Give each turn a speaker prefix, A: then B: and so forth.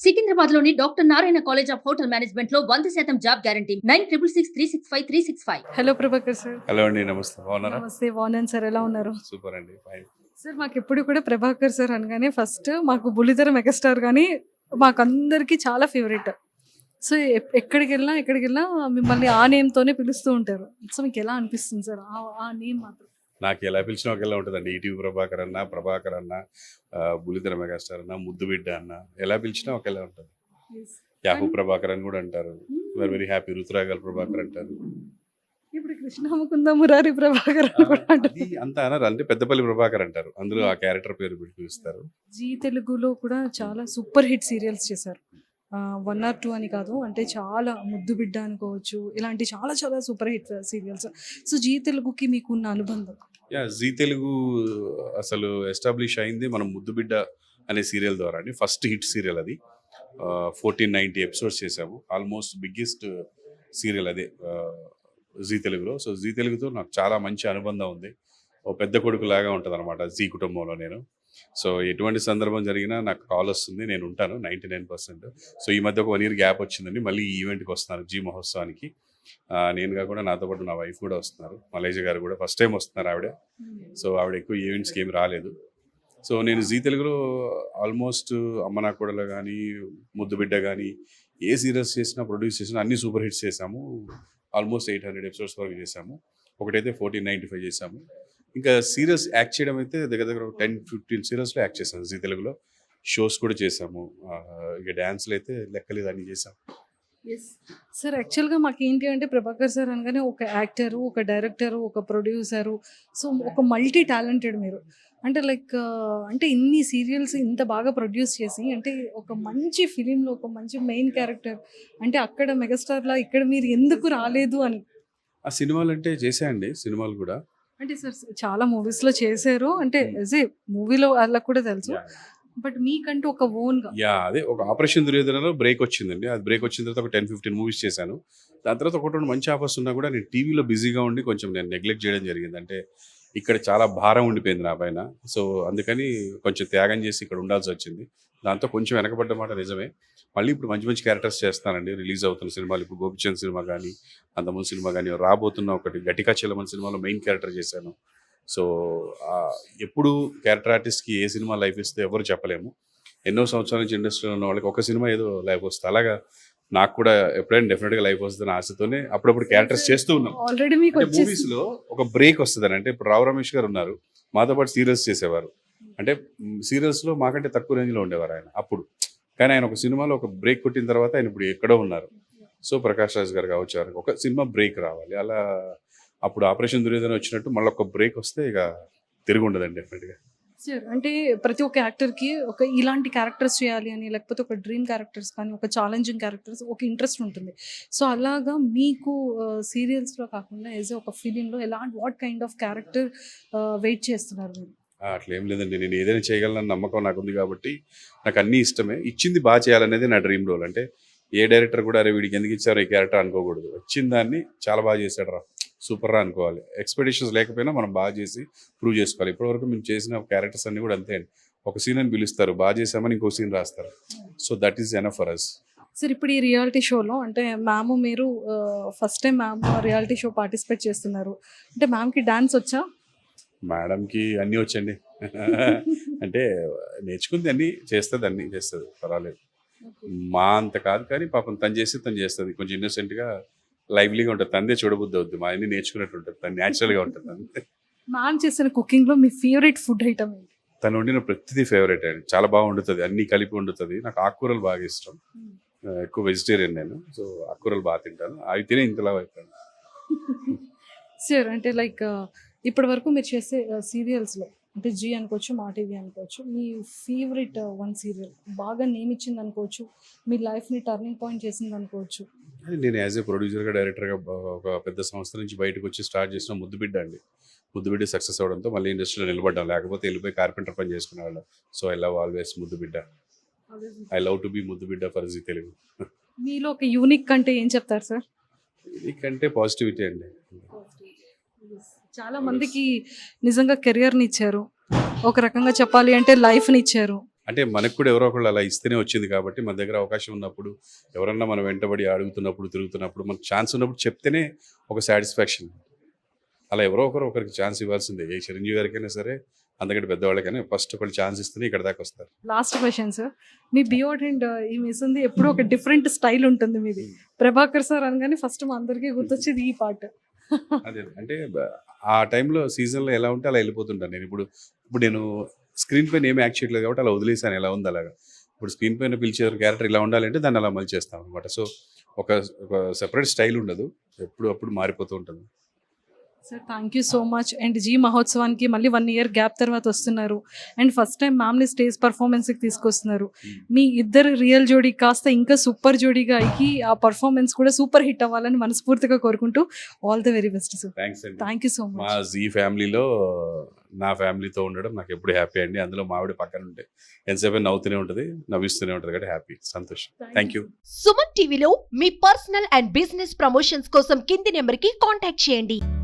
A: సికింద్రాబాద్ లోని doctor Narayana college of hotel management లో 100% job guarantee 966365
B: hello Prabhakar sir.
C: Hello అండి, నమస్తే. బాగున్నారా?
B: నమస్తే, బాగున్నాను సార్. ఎలా ఉన్నారు
C: సూపర్ అండి, ఫైన్.
B: సార్? మాకు ఎప్పుడు కూడా ప్రభాకర్ సార్ అనగానే ఫస్ట్ మాకు బుల్లితెర మెగాస్టార్ కానీ మాకు అందరికీ చాలా ఫేవరెట్. సో ఎక్కడికి వెళ్ళినా మిమ్మల్ని ఆ నేమ్తోనే పిలుస్తూ ఉంటారు. సో మీకు ఎలా అనిపిస్తుంది సార్ ఆ నేమ్ మాత్రం?
C: నాకు ఎలా పిలిచినా ఒకేలా ఉంటుందండి. ఈటీవీ ప్రభాకర్ అన్న, బుల్లితెర మెగాస్టార్ అన్న, ముద్దు బిడ్డ అన్న, ఎలా పిలిచినా ఒకేలా ఉంటుంది. యాహూ ప్రభాకర్ అని కూడా అంటారు. Very very happy. రుతురాగల్ ప్రభాకర్ అంటారు.
B: ఇప్పుడు కృష్ణ ముకుంద మురారి ప్రభాకర్ అని కూడా అంటారు.
C: అది అంత అనరు, అంటే పెద్దపల్లి ప్రభాకర్ అంటారు. అందులో ఆ క్యారెక్టర్ పేరు పెట్టి పిలుస్తారు.
B: జీ తెలుగులో కూడా చాలా సూపర్ హిట్ సీరియల్స్ చేశారు. 1 or 2 అని కాదు, అంటే చాలా ముద్దు బిడ్డ అనుకోవచ్చు, ఇలాంటి చాలా చాలా super hit serials. So Zee తెలుగుకి మీకున్న అనుబంధం?
C: యా, జీ తెలుగు అసలు ఎస్టాబ్లిష్ అయింది మనం ముద్దు బిడ్డ అనే సీరియల్ ద్వారా అండి. ఫస్ట్ హిట్ సీరియల్ అది. 1490 ఎపిసోడ్స్ చేసాము. ఆల్మోస్ట్ బిగ్గెస్ట్ సీరియల్ అదే జీ తెలుగులో. సో జీ తెలుగుతో నాకు చాలా మంచి అనుబంధం ఉంది. ఓ పెద్ద కొడుకు లాగా ఉంటుంది అనమాట జీ కుటుంబంలో నేను. సో ఎటువంటి సందర్భం జరిగినా నాకు కాల్ వస్తుంది, నేను ఉంటాను 99%. సో ఈ మధ్య ఒక 1 year గ్యాప్ వచ్చిందండి. మళ్ళీ ఈ ఈవెంట్కి వస్తున్నాను, జీ మహోత్సవానికి. నేను కాకుండా నాతో పాటు నా వైఫ్ కూడా వస్తున్నారు. మలేజ గారు కూడా ఫస్ట్ టైం వస్తున్నారు ఆవిడ. సో ఆవిడ ఎక్కువ ఈవెంట్స్కి ఏమి రాలేదు. సో నేను జీ తెలుగులో ఆల్మోస్ట్ అమ్మ నా కూడలు కానీ, ముద్దు బిడ్డ కానీ, ఏ సీరియల్స్ చేసినా, ప్రొడ్యూస్ చేసినా అన్ని సూపర్ హిట్స్ చేసాము. ఆల్మోస్ట్ 800 ఎపిసోడ్స్ వరకు చేసాము. ఒకటైతే 1495 చేసాము. ఇంకా సీరియల్స్ యాక్ట్ చేయడం అయితే దగ్గర దగ్గర 10-15 సీరియల్స్లో యాక్ట్ చేశాను జీ తెలుగులో. షోస్ కూడా చేసాము. ఇక డ్యాన్స్లు అయితే లెక్కలేదు, అన్నీ చేసాము.
B: సార్ యాక్చువల్గా మాకు ఏంటి అంటే ప్రభాకర్ సార్ అనగానే ఒక యాక్టరు, ఒక డైరెక్టరు, ఒక ప్రొడ్యూసరు, సో ఒక మల్టీ టాలెంటెడ్ మీరు. అంటే లైక్ అంటే ఇన్ని సీరియల్స్ ఇంత బాగా ప్రొడ్యూస్ చేసి, అంటే ఒక మంచి ఫిలింలో ఒక మంచి మెయిన్ క్యారెక్టర్, అంటే అక్కడ మెగాస్టార్లా ఇక్కడ మీరు ఎందుకు రాలేదు అని?
C: ఆ సినిమాలు అంటే చేశాయండి, సినిమాలు కూడా.
B: అంటే సార్ చాలా మూవీస్లో చేశారు, అంటే యాజ్ ఏ మూవీలో వాళ్ళకు కూడా తెలుసు, బట్ మీకంటూ ఒక ఓన్గా.
C: యా, అదే ఒక ఆపరేషన్ దుర్యోధనలో బ్రేక్ వచ్చిందండి. అది బ్రేక్ వచ్చిన తర్వాత ఒక 10-15 మూవీస్ చేశాను. దాని తర్వాత ఒకటి 2 మంచి ఆఫర్స్ ఉన్నా కూడా నేను టీవీలో బిజీగా ఉండి కొంచెం నేను నెగ్లెక్ట్ చేయడం జరిగింది. అంటే ఇక్కడ చాలా భారం ఉండిపోయింది నా పైన. సో అందుకని కొంచెం త్యాగం చేసి ఇక్కడ ఉండాల్సి వచ్చింది. దాంతో కొంచెం వెనకబడ్డ మాట నిజమే. మళ్ళీ ఇప్పుడు మంచి మంచి క్యారెక్టర్స్ చేస్తానండి. రిలీజ్ అవుతున్న సినిమాలు, ఇప్పుడు గోపిచంద్ సినిమా కానీ, అంతకుముందు సినిమా కానీ, రాబోతున్న ఒకటి గట్టికా చెల్లమన్ సినిమాలో మెయిన్ క్యారెక్టర్ చేశాను. సో ఎప్పుడు క్యారెక్టర్ ఆర్టిస్ట్కి ఏ సినిమా లైఫ్ ఇస్తే ఎవరు చెప్పలేము. ఎన్నో సంవత్సరాల నుంచి ఇండస్ట్రీలో ఉన్న వాళ్ళకి ఒక సినిమా ఏదో లైఫ్ వస్తుంది. అలాగా నాకు కూడా ఎప్పుడైనా డెఫినెట్గా లైఫ్ వస్తుందని ఆశతోనే అప్పుడప్పుడు క్యారెక్టర్స్ చేస్తూ ఉన్నాం.
B: ఆల్రెడీ మీకు
C: మూవీస్లో ఒక బ్రేక్ వస్తుందని, అంటే ఇప్పుడు రావు రమేష్ గారు ఉన్నారు, మాతో పాటు సీరియల్స్ చేసేవారు. అంటే సీరియల్స్లో మాకంటే తక్కువ రేంజ్లో ఉండేవారు ఆయన అప్పుడు. కానీ ఆయన ఒక సినిమాలో ఒక బ్రేక్ కొట్టిన తర్వాత ఆయన ఇప్పుడు ఎక్కడో ఉన్నారు. సో ప్రకాష్ రాజ్ గారు కావచ్చు, ఒక సినిమా బ్రేక్ రావాలి. అలా అప్పుడు ఆపరేషన్ దుర్యోధన వచ్చినట్టు మళ్ళీ ఒక బ్రేక్ వస్తే ఇక తిరిగి ఉండదండి డెఫినెట్గా.
B: సార్ అంటే ప్రతి ఒక్క యాక్టర్కి ఒక ఇలాంటి క్యారెక్టర్స్ చేయాలి అని, లేకపోతే ఒక డ్రీమ్ క్యారెక్టర్స్ కానీ, ఒక ఛాలెంజింగ్ క్యారెక్టర్స్, ఒక ఇంట్రెస్ట్ ఉంటుంది. సో అలాగా మీకు సీరియల్స్లో కాకుండా యాజ్ ఒక ఫిలింలో ఎలాంటి what kind of character wait చేస్తున్నారు మీరు?
C: అట్లా ఏం లేదండి, నేను ఏదైనా చేయగలనని నమ్మకం నాకు ఉంది కాబట్టి నాకు అన్నీ ఇష్టమే. ఇచ్చింది బాగా చేయాలనేది నా డ్రీమ్ రోల్. అంటే ఏ డైరెక్టర్ కూడా అరే వీడికి ఎందుకు ఇచ్చారో ఈ క్యారెక్టర్ అనుకోకూడదు. వచ్చిన దాన్ని చాలా బాగా చేశాడు రా, సూపర్ రా అనుకోవాలి. ఎక్స్పెక్టేషన్స్ లేకపోయినా మనం బాగా చేసి ప్రూవ్ చేసుకోవాలి. ఇప్పటివరకు మేము చేసిన క్యారెక్టర్స్ అన్నీ కూడా అంతే అండి. ఒక సీన్ అని పిలుస్తారు, బాగా చేసామని ఇంకో సీన్ రాస్తారు. So that is enough for us.
B: Sir ఇప్పుడు ఈ రియాలిటీ షోలో అంటే మీరు first time reality show participate చేస్తున్నారు. అంటే మ్యామ్కి డాన్స్ వచ్చా?
C: మేడంకి అన్నీ వచ్చండి. అంటే నేర్చుకుంది అన్నీ చేస్తుంది, అన్నీ చేస్తుంది, పర్వాలేదు. మా అంత కాదు కానీ పాపం తను చేస్తుంది. కొంచెం ఇన్నోసెంట్గా, లైవ్లీగా ఉంటుంది. తందే చూడబుద్ధి అవుద్ది, మా అన్ని నేర్చుకున్నట్టు ఉంటుంది, తను న్యాచురల్గా ఉంటుంది అంతే.
B: మ్యామ్ చేసిన కుకింగ్లో మీ ఫేవరెట్ ఫుడ్ ఐటమ్ ఏంటి?
C: తను వండిన ప్రతిదీ ఫేవరెట్ అండి. చాలా బాగా వండుతుంది, అన్నీ కలిపి వండుతుంది. నాకు ఆకుకూరలు బాగా ఇష్టం. ఎక్కువ వెజిటేరియన్ నేను. సో ఆకుకూరలు బాగా తింటాను. అవి తినే ఇంతలా అయిపోయాను.
B: సార్ అంటే లైక్ ఇప్పటి వరకు మీరు చేసే సీరియల్స్లో, అంటే జీ అనుకోవచ్చు, మా టీవీ అనుకోవచ్చు, మీ ఫేవరెట్ 1 సీరియల్ బాగా నేమ్ ఇచ్చింది అనుకోవచ్చు, మీ లైఫ్ని టర్నింగ్ పాయింట్ చేసింది అనుకోవచ్చు?
C: నేను యాజ్ ఏ ప్రొడ్యూసర్గా, డైరెక్టర్గా ఒక పెద్ద సంస్థ నుంచి బయటకు వచ్చి స్టార్ట్ చేసిన ముద్దు బిడ్డ అండి. ముద్దు బిడ్డ సక్సెస్ అవ్వడంతో మళ్ళీ ఇండస్ట్రీలో నిలబడ్డాం, లేకపోతే వెళ్ళిపోయి కార్పెంటర్ పని చేసుకునేవాళ్ళం. సో ఐ లవ్ ఆల్వేస్ ముద్దు బిడ్డ. ఐ లవ్ టు బి ముద్దు బిడ్డ ఫర్ జీ తెలుగు.
B: మీలో ఒక యూనిక్ అంటే ఏం చెప్తారు సార్?
C: యూనిక్ అంటే పాజిటివిటీ అండి.
B: చాలా మందికి నిజంగా కెరియర్ని ఇచ్చారు, ఒక రకంగా చెప్పాలి అంటే లైఫ్ని ఇచ్చారు.
C: అంటే మనకు కూడా ఎవరో ఒకళ్ళు అలా ఇస్తేనే వచ్చింది కాబట్టి మన దగ్గర అవకాశం ఉన్నప్పుడు ఎవరన్నా మనం వెంటబడి అడుగుతున్నప్పుడు తిరుగుతున్నప్పుడు మనకు ఛాన్స్ ఉన్నప్పుడు చెప్తేనే ఒక సాటిస్ఫాక్షన్. అలా ఎవరో ఒకరికి ఛాన్స్ ఇవ్వాల్సిందే. ఏ చిరంజీవి గారికైనా సరే అంతకంటే పెద్దవాళ్ళకైనా ఫస్ట్ ఒకళ్ళు ఛాన్స్ ఇస్తేనే ఇక్కడ దాకా వస్తారు.
B: లాస్ట్ క్వశ్చన్ సార్, మీ డియోడ్రెంట్ ఈ మిస్సుంది ఎప్పుడూ ఒక డిఫరెంట్ స్టైల్ ఉంటుంది మీది. ప్రభాకర్ సార్ అనగానే ఫస్ట్ మా అందరికీ గుర్తొచ్చేది ఈ పాట.
C: అదే అంటే ఆ టైంలో సీజన్లో ఎలా ఉంటే అలా వెళ్ళిపోతుంటాను నేను. ఇప్పుడు నేను స్క్రీన్ పైన ఏమి యాక్ట్ చేయట్లేదు కాబట్టి అలా వదిలేసాను, ఎలా ఉంది అలాగా. ఇప్పుడు స్క్రీన్ పైన పిలిచే క్యారెక్టర్ ఇలా ఉండాలంటే దాన్ని అలా మళ్ళీ చేస్తాం అనమాట. సో ఒక సెపరేట్ స్టైల్ ఉండదు, ఎప్పుడు అప్పుడు మారిపోతూ ఉంటుంది.
B: Sir thank you so much. And Zee మహోత్సవానికి మళ్ళీ 1 year గ్యాప్ తర్వాత వస్తున్నారు. అండ్ ఫస్ట్ టైం మ్యామ్ని స్టేజ్ పర్ఫార్మెన్స్కి తీసుకొస్తున్నారు. మీ ఇద్దరు రియల్ జోడీ కాస్త ఇంకా సూపర్ జోడీగా అయ్యి ఆ పర్ఫార్మెన్స్ కూడా సూపర్ హిట్ అవ్వాలని మనస్ఫూర్తిగా కోరుకుంటూ all the very best sir.
C: Thanks అండి.
B: థ్యాంక్ యూ సో
C: మా
B: మచ్.
C: జీ ఫ్యామిలీలో నా ఫ్యామిలీతో ఉండడం నాకు ఎప్పుడు హ్యాపీ అండి. అందులో మా ఆవిడ పక్కన ఉంటే ఎంతసేపు నవ్వుతూనే ఉంటుంది, నవ్విస్తూనే ఉంటుంది కాబట్టి హ్యాపీ, సంతోషం. Thank you.
D: సుమన్ టీవీలో మీ పర్సనల్ అండ్ బిజినెస్ ప్రమోషన్స్ కోసం కింది నెంబర్కి కాంటాక్ట్ చేయండి.